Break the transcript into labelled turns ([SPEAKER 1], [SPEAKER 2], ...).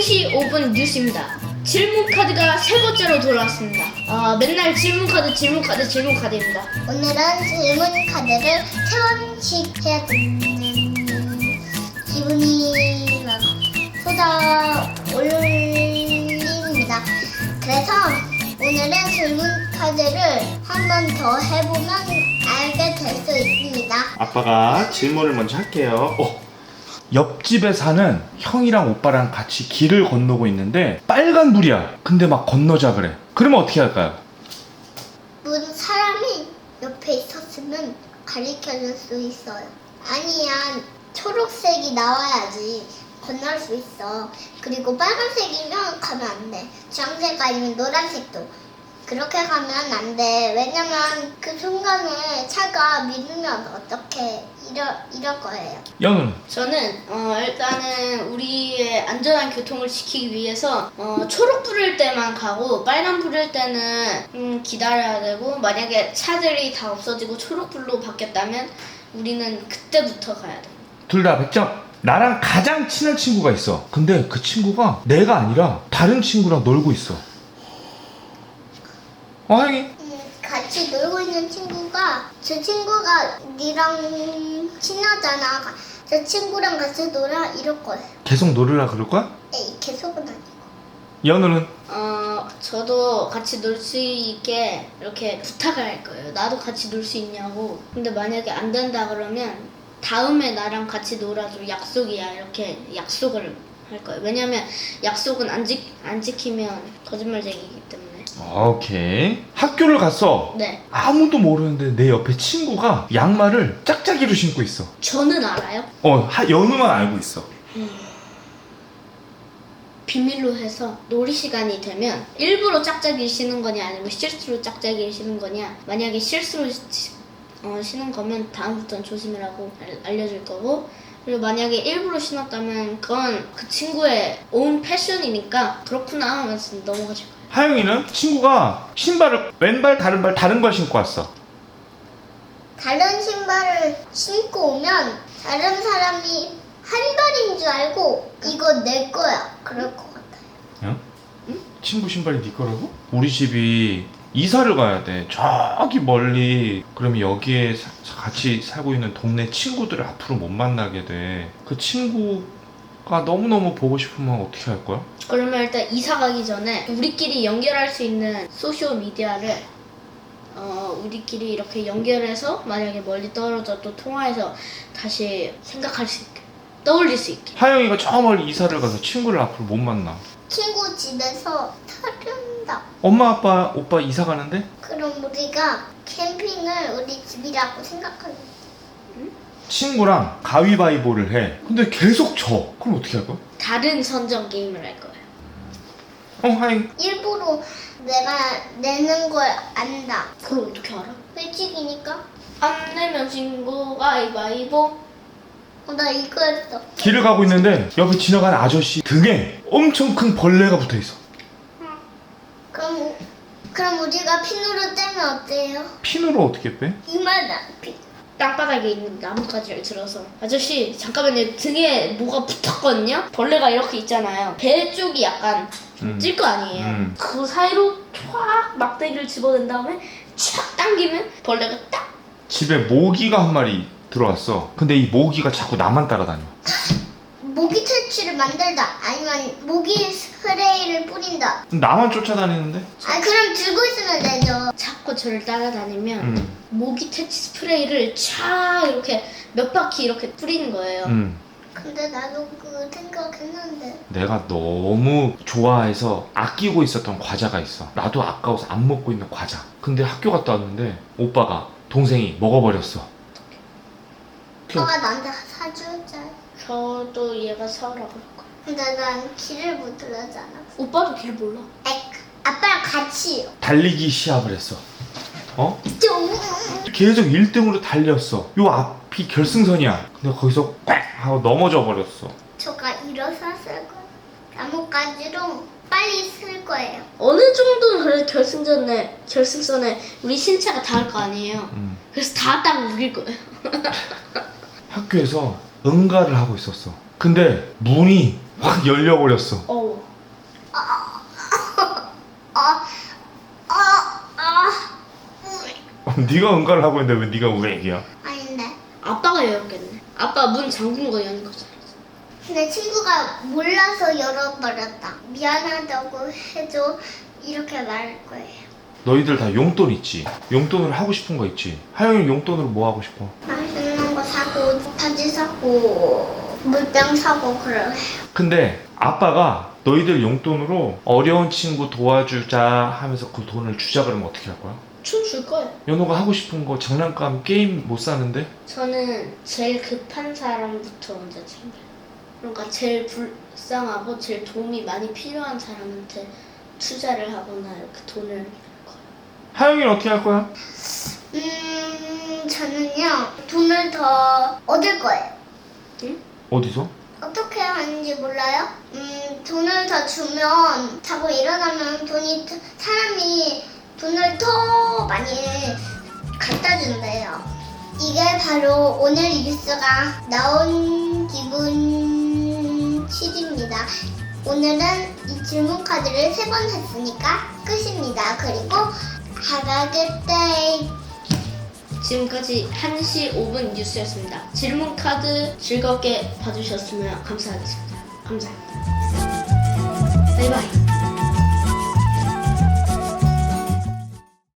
[SPEAKER 1] 2시 5분 뉴스입니다. 질문 카드가 세 번째로 돌아왔습니다. 맨날 질문 카드입니다.
[SPEAKER 2] 오늘은 질문 카드를 세 번씩 해야 되는 기분이 막 쏟아올립니다. 그래서 오늘은 질문 카드를 한 번 더 해보면 알게 될 수 있습니다.
[SPEAKER 3] 아빠가 질문을 먼저 할게요. 옆집에 사는 형이랑 오빠랑 같이 길을 건너고 있는데 빨간불이야. 근데 막 건너자 그래. 그러면 어떻게 할까요?
[SPEAKER 2] 사람이 옆에 있었으면 가르쳐줄 수 있어요. 아니야, 초록색이 나와야지 건널 수 있어. 그리고 빨간색이면 가면 안 돼. 주황색 아니면 노란색도. 그렇게 가면 안 돼. 왜냐면 그 순간에 차가 밀리면 어떻게 이럴 거예요.
[SPEAKER 3] 연우는?
[SPEAKER 1] 저는 일단은 우리의 안전한 교통을 지키기 위해서 초록 불일 때만 가고 빨간 불일 때는 기다려야 되고, 만약에 차들이 다 없어지고 초록 불로 바뀌었다면 우리는 그때부터 가야 돼.
[SPEAKER 3] 둘 다 100점. 나랑 가장 친한 친구가 있어. 근데 그 친구가 내가 아니라 다른 친구랑 놀고 있어. 형이?
[SPEAKER 2] 같이 놀고 있는 친구가, 저 친구가 니랑 친하잖아. 저 친구랑 같이 놀아 이럴 거예요.
[SPEAKER 3] 계속 놀으라 그럴 거야?
[SPEAKER 2] 에이, 계속은 아니고.
[SPEAKER 3] 연우는?
[SPEAKER 1] 저도 같이 놀 수 있게 이렇게 부탁을 할 거예요. 나도 같이 놀 수 있냐고. 근데 만약에 안 된다 그러면 다음에 나랑 같이 놀아줘, 약속이야, 이렇게 약속을 할 거예요. 왜냐면 약속은 안 지키면 거짓말쟁이기 때문에.
[SPEAKER 3] 오케이. 학교를 갔어.
[SPEAKER 1] 네.
[SPEAKER 3] 아무도 모르는데 내 옆에 친구가 양말을 짝짝이로 신고 있어.
[SPEAKER 1] 저는 알아요.
[SPEAKER 3] 연우만 알고 있어.
[SPEAKER 1] 비밀로 해서 놀이 시간이 되면 일부러 짝짝이를 신은 거냐 아니면 실수로 짝짝이를 신은 거냐. 만약에 실수로 신은 거면 다음부터는 조심이라고 알려줄 거고, 그리고 만약에 일부러 신었다면 그건 그 친구의 온 패션이니까 그렇구나 하면서 넘어가줄 거예요.
[SPEAKER 3] 하영이는? 친구가 신발을 왼발 다른 발 신고 왔어.
[SPEAKER 2] 다른 신발을 신고 오면 다른 사람이 한 발인 줄 알고 이거 내 거야 그럴 것 같아요.
[SPEAKER 3] 응? 친구 신발이 네 거라고? 우리 집이 이사를 가야 돼. 저기 멀리. 그러면 여기에 같이 살고 있는 동네 친구들을 앞으로 못 만나게 돼. 그 친구가 너무너무 보고 싶으면 어떻게 할 거야?
[SPEAKER 1] 그러면 일단 이사 가기 전에 우리끼리 연결할 수 있는 소셜 미디어를 우리끼리 이렇게 연결해서 만약에 멀리 떨어져도 통화해서 다시 생각할 수 있게, 떠올릴 수 있게.
[SPEAKER 3] 하영이가 저 멀리 이사를 가서 친구를 앞으로 못 만나.
[SPEAKER 2] 친구 집에서 사준다.
[SPEAKER 3] 엄마 아빠 오빠 이사 가는데?
[SPEAKER 2] 그럼 우리가 캠핑을 우리 집이라고 생각하는.
[SPEAKER 3] 친구랑 가위바위보를 해. 근데 계속 져. 그럼 어떻게 할 거야?
[SPEAKER 1] 다른 선정 게임을 할 거예요.
[SPEAKER 3] 하영.
[SPEAKER 2] 일부러 내가 내는 걸 안다.
[SPEAKER 1] 그걸 어떻게 알아?
[SPEAKER 2] 회칙이니까.
[SPEAKER 1] 안 내면 친구 가위바위보.
[SPEAKER 2] 나 이거 했어.
[SPEAKER 3] 길을 가고 있는데 옆에 지나가는 아저씨 등에 엄청 큰 벌레가 붙어 있어.
[SPEAKER 2] 그럼 우리가 핀으로 떼면 어때요?
[SPEAKER 3] 핀으로 어떻게 빼?
[SPEAKER 2] 이만한 핀.
[SPEAKER 1] 땅바닥에 있는 나뭇가지를 들어서, 아저씨 잠깐만요, 등에 뭐가 붙었거든요? 벌레가 이렇게 있잖아요. 배 쪽이 약간 찔 거 아니에요. 그 사이로 촥 막대기를 집어낸 다음에 촥 당기면 벌레가 딱.
[SPEAKER 3] 집에 모기가 한 마리 들어왔어. 근데 이 모기가 자꾸 나만 따라다녀.
[SPEAKER 2] 모기 퇴치를 만들다. 아니면 모기 스프레이를 뿌린다.
[SPEAKER 3] 나만 쫓아다니는데?
[SPEAKER 2] 그럼 들고 있으면 되죠.
[SPEAKER 1] 자꾸 저를 따라다니면 모기 퇴치 스프레이를 촥 이렇게 몇 바퀴 이렇게 뿌리는 거예요.
[SPEAKER 2] 근데 나도 그 생각했는데.
[SPEAKER 3] 내가 너무 좋아해서 아끼고 있었던 과자가 있어. 나도 아까워서 안 먹고 있는 과자. 근데 학교 갔다 왔는데 오빠가, 동생이 먹어버렸어.
[SPEAKER 2] 오빠가 나한테 사주자.
[SPEAKER 1] 저도 얘가 사오라고 할 거예요.
[SPEAKER 2] 근데 난 길을 못 들었잖아.
[SPEAKER 1] 오빠도 길 몰라.
[SPEAKER 2] 아빠랑 같이요.
[SPEAKER 3] 달리기 시합을 했어.
[SPEAKER 2] 좀.
[SPEAKER 3] 계속 1등으로 달렸어. 요 앞이 결승선이야. 근데 거기서 꽉 하고 넘어져 버렸어.
[SPEAKER 2] 저가 일어섰을 거예요. 나뭇가지로 빨리 쓸 거예요.
[SPEAKER 1] 어느 정도는 그래도 결승선에 우리 신체가 닿을 거 아니에요. 그래서 닿았다고 우길 거예요.
[SPEAKER 3] 학교에서 응가를 하고 있었어. 근데 문이 확 열려버렸어. 네가 응가를 하고 있는데 왜 네가 왜 얘기야?
[SPEAKER 2] 아닌데.
[SPEAKER 1] 아빠가 열었겠네. 아빠 문 잠근 거 여는 거잖아.
[SPEAKER 2] 근데 친구가 몰라서 열어버렸다. 미안하다고 해줘. 이렇게 말할 거예요.
[SPEAKER 3] 너희들 다 용돈 있지? 용돈으로 하고 싶은 거 있지? 하영이 용돈으로 뭐 하고 싶어?
[SPEAKER 2] 맛있는 거 사고, 바지 사고, 물병 사고 그래요.
[SPEAKER 3] 근데 아빠가 너희들 용돈으로 어려운 친구 도와주자 하면서 그 돈을 주자 그러면 어떻게 할 거야?
[SPEAKER 1] 줄 거예요.
[SPEAKER 3] 연호가 하고 싶은 거 장난감 게임 못 사는데?
[SPEAKER 1] 저는 제일 급한 사람부터 먼저 챙겨요. 그러니까 제일 불쌍하고 제일 도움이 많이 필요한 사람한테 투자를 하거나 이렇게 돈을 낼 거예요.
[SPEAKER 3] 하영이는 어떻게 할 거야?
[SPEAKER 2] 저는요, 돈을 더 얻을 거예요.
[SPEAKER 3] 어디서?
[SPEAKER 2] 어떻게 하는지 몰라요? 돈을 더 주면 자고 일어나면 사람이 돈을 더 많이 갖다 준대요. 이게 바로 오늘 뉴스가 나온 기분 7입니다. 오늘은 이 질문 카드를 3번 했으니까 끝입니다. 그리고 have a good day.
[SPEAKER 1] 지금까지 1시 5분 뉴스였습니다. 질문 카드 즐겁게 봐주셨으면 감사하겠습니다. 감사합니다. 바이바이.